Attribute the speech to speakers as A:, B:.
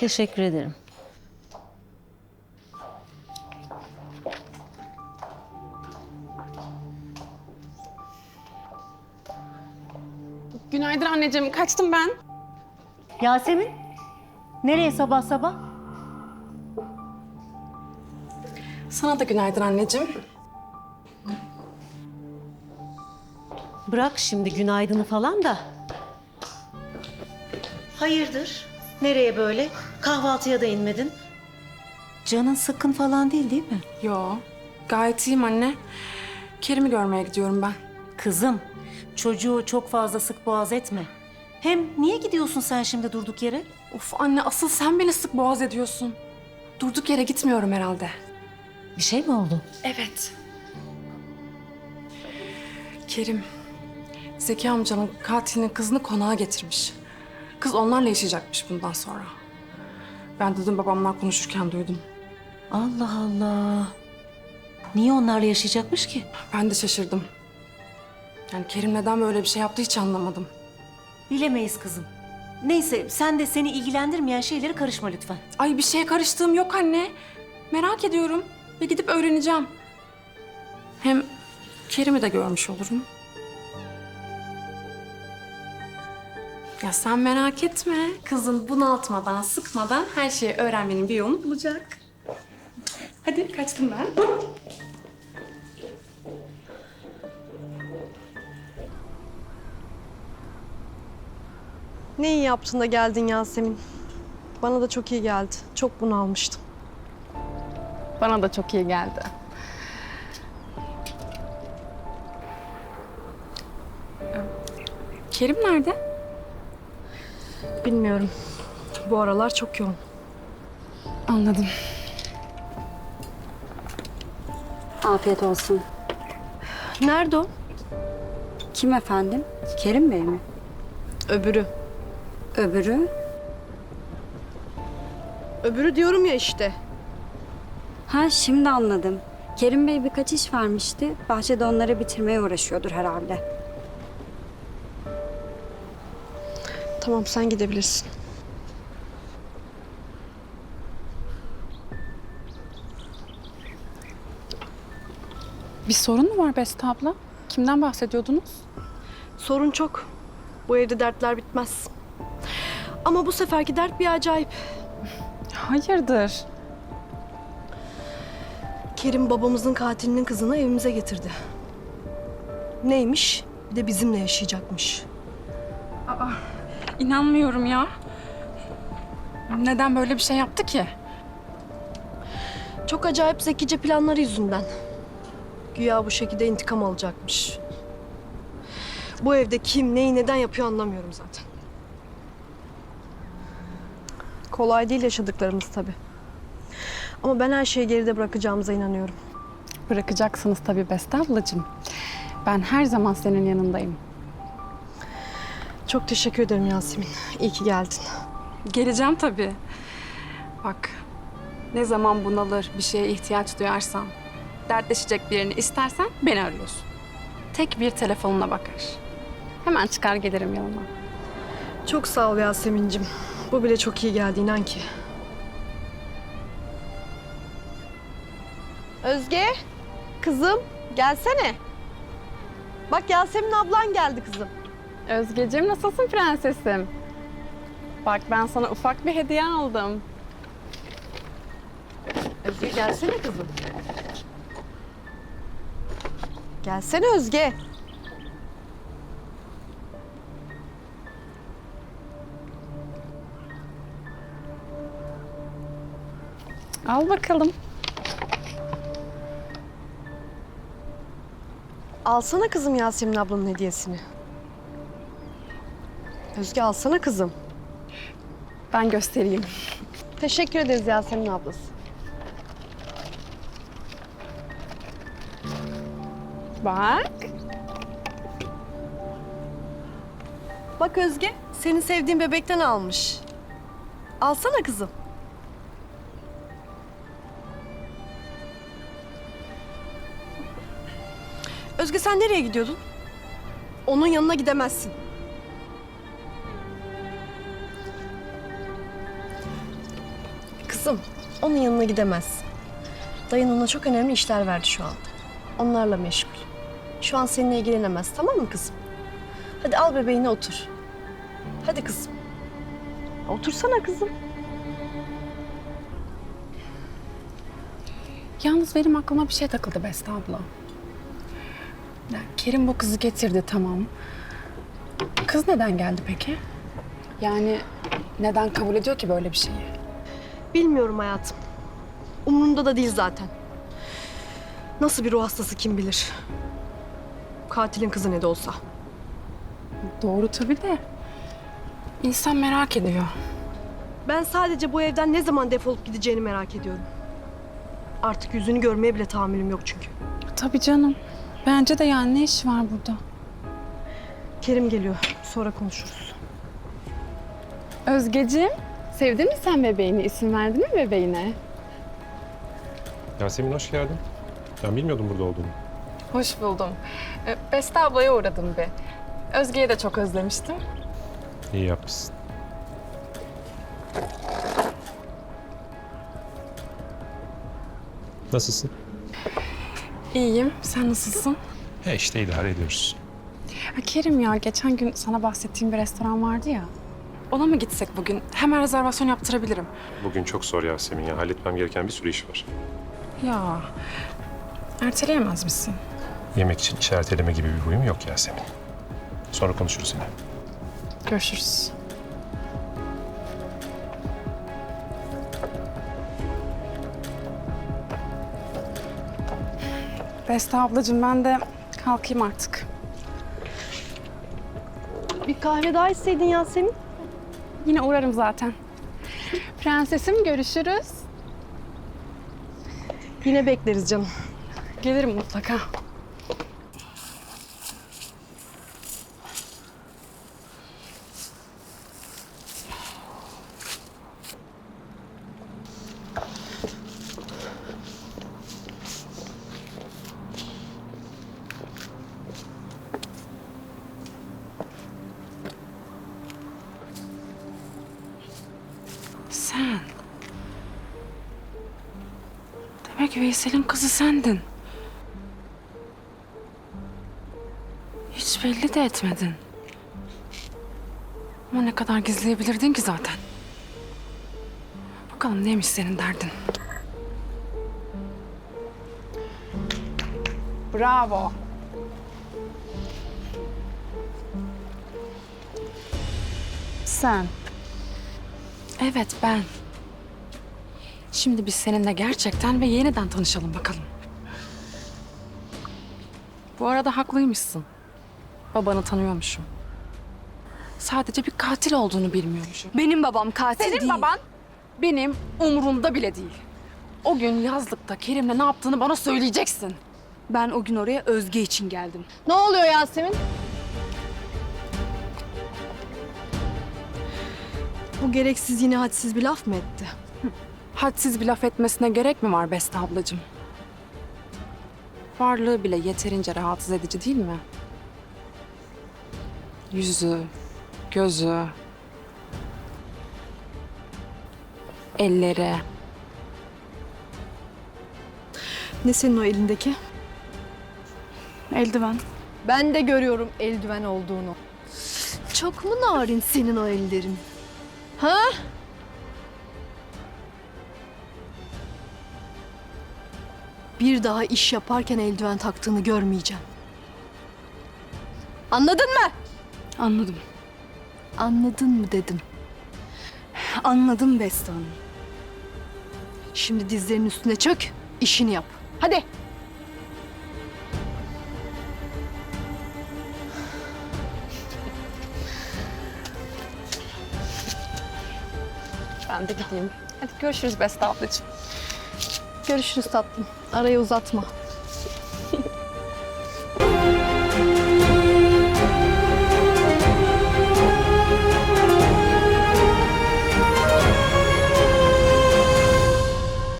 A: Teşekkür ederim.
B: Günaydın anneciğim. Kaçtım ben.
A: Yasemin, nereye sabah sabah?
B: Sana da günaydın anneciğim.
A: Bırak şimdi günaydını falan da. Hayırdır? Nereye böyle? Kahvaltıya da inmedin. Canın sıkkın falan değil mi?
B: Yo, gayet iyiyim anne. Kerim'i görmeye gidiyorum ben.
A: Kızım, çocuğu çok fazla sık boğaz etme. Hem niye gidiyorsun sen şimdi durduk yere?
B: Of anne, asıl sen beni sık boğaz ediyorsun. Durduk yere gitmiyorum herhalde.
A: Bir şey mi oldu?
B: Evet. Kerim, Zeki amcanın katilinin kızını konağa getirmiş. Kız onlarla yaşayacakmış bundan sonra. Ben de dün babamlar konuşurken duydum.
A: Allah Allah. Niye onlarla yaşayacakmış ki?
B: Ben de şaşırdım. Yani Kerim neden böyle bir şey yaptı hiç anlamadım.
A: Bilemeyiz kızım. Neyse sen de seni ilgilendirmeyen şeylere karışma lütfen.
B: Ay, bir şeye karıştığım yok anne. Merak ediyorum ve gidip öğreneceğim. Hem Kerim'i de görmüş olurum. Ya sen merak etme. Kızın bunaltmadan, sıkmadan her şeyi öğrenmenin bir yolunu bulacak. Hadi kaçtım ben.
C: Ne iyi yaptın da geldin Yasemin. Bana da çok iyi geldi. Çok bunalmıştım.
B: Bana da çok iyi geldi. Kerim nerede?
C: Bilmiyorum. Bu aralar çok yoğun.
B: Anladım.
D: Afiyet olsun.
C: Nerede o?
D: Kim efendim? Kerim Bey mi?
C: Öbürü.
D: Öbürü?
C: Öbürü diyorum ya işte.
D: Ha, şimdi anladım. Kerim Bey birkaç iş vermişti. Bahçede onları bitirmeye uğraşıyordur herhalde.
C: Tamam, sen gidebilirsin.
B: Bir sorun mu var Beste abla? Kimden bahsediyordunuz?
C: Sorun çok. Bu evde dertler bitmez. Ama bu seferki dert bir acayip.
B: Hayırdır?
C: Kerim babamızın katilinin kızını evimize getirdi. Neymiş? Bir de bizimle yaşayacakmış.
B: İnanmıyorum ya. Neden böyle bir şey yaptı ki?
C: Çok acayip zekice planları yüzünden. Güya bu şekilde intikam alacakmış. Bu evde kim, neyi, neden yapıyor anlamıyorum zaten. Kolay değil yaşadıklarımız tabii. Ama ben her şeyi geride bırakacağımıza inanıyorum.
B: Bırakacaksınız tabii Beste ablacığım. Ben her zaman senin yanındayım.
C: Çok teşekkür ederim Yasemin. İyi ki geldin.
B: Geleceğim tabii. Bak, ne zaman bunalır, bir şeye ihtiyaç duyarsan, dertleşecek birini istersen beni arıyorsun. Tek bir telefonuna bakar. Hemen çıkar gelirim yanına.
C: Çok sağ ol Yasemin'cim. Bu bile çok iyi geldi inan ki. Özge, kızım gelsene. Bak Yasemin ablan geldi kızım.
B: Özgeciğim, nasılsın prensesim? Bak, ben sana ufak bir hediye aldım.
C: Özge gelsene kızım. Gelsene Özge.
B: Al bakalım.
C: Alsana kızım Yasemin ablanın hediyesini. Özge alsana kızım.
B: Ben göstereyim.
C: Teşekkür ederiz Yasemin ablası.
B: Bak.
C: Bak Özge, senin sevdiğin bebekten almış. Alsana kızım. Özge sen nereye gidiyordun? Onun yanına gidemezsin. Kızım, onun yanına gidemez. Dayın ona çok önemli işler verdi şu anda. Onlarla meşgul. Şu an seninle ilgilenemez, tamam mı kızım? Hadi al bebeğini otur. Hadi kızım. Otursana kızım.
B: Yalnız benim aklıma bir şey takıldı Beste abla. Ya, Kerim bu kızı getirdi tamam. Kız neden geldi peki? Yani neden kabul ediyor ki böyle bir şeyi?
C: Bilmiyorum hayatım. Umurumda da değil zaten. Nasıl bir ruh hastası kim bilir. Katilin kızı ne de olsa.
B: Doğru tabii de. İnsan merak ediyor.
C: Ben sadece bu evden ne zaman defolup gideceğini merak ediyorum. Artık yüzünü görmeye bile tahammülüm yok çünkü.
B: Tabii canım. Bence de yani ne işi var burada?
C: Kerim geliyor. Sonra konuşuruz.
B: Özgeciğim, sevdin mi sen bebeğini? İsim verdin mi bebeğine?
E: Yasemin hoş geldin. Ben bilmiyordum burada olduğunu.
B: Hoş buldum. Beste ablaya uğradım bir. Özge'yi de çok özlemiştim.
E: İyi yapmışsın. Nasılsın?
B: İyiyim. Sen nasılsın?
E: He işte idare ediyoruz.
B: Kerim ya, geçen gün sana bahsettiğim bir restoran vardı ya. Ona mı gitsek bugün? Hemen rezervasyon yaptırabilirim.
E: Bugün çok zor Yasemin ya. Halletmem gereken bir sürü iş var.
B: Ya, erteleyemez misin?
E: Yemek için iş erteleme gibi bir huyum yok Yasemin. Sonra konuşuruz yine.
B: Görüşürüz. Beste ablacığım, ben de kalkayım artık.
C: Bir kahve daha içseydin Yasemin.
B: Yine uğrarım zaten. Prensesim, görüşürüz.
C: Yine bekleriz canım.
B: Gelirim mutlaka. Sen. Demek Veysel'in kızı sendin. Hiç belli de etmedin. Ama ne kadar gizleyebilirdin ki zaten. Bakalım neymiş senin derdin? Bravo. Sen. Evet, ben. Şimdi biz seninle gerçekten ve yeniden tanışalım bakalım. Bu arada haklıymışsın. Babanı tanıyormuşum. Sadece bir katil olduğunu bilmiyormuşum.
D: Benim babam katil
B: Senin baban benim umurumda bile değil. O gün yazlıkta Kerim'le ne yaptığını bana söyleyeceksin.
D: Ben o gün oraya Özge için geldim.
C: Ne oluyor Yasemin? Bu gereksiz yine hadsiz bir laf mı etti?
B: Hadsiz bir laf etmesine gerek mi var Beste ablacığım? Varlığı bile yeterince rahatsız edici değil mi? Yüzü, gözü, elleri.
C: Ne senin o elindeki?
B: Eldiven.
C: Ben de görüyorum eldiven olduğunu. Çok mu narin senin o ellerin? Ha? Bir daha iş yaparken eldiven taktığını görmeyeceğim. Anladın mı?
D: Anladım.
C: Anladın mı dedim.
D: Anladım Beste Hanım.
C: Şimdi dizlerinin üstüne çök, işini yap. Hadi.
B: Ben de gideyim. Hadi görüşürüz Beste ablacığım.
C: Görüşürüz tatlım. Arayı uzatma.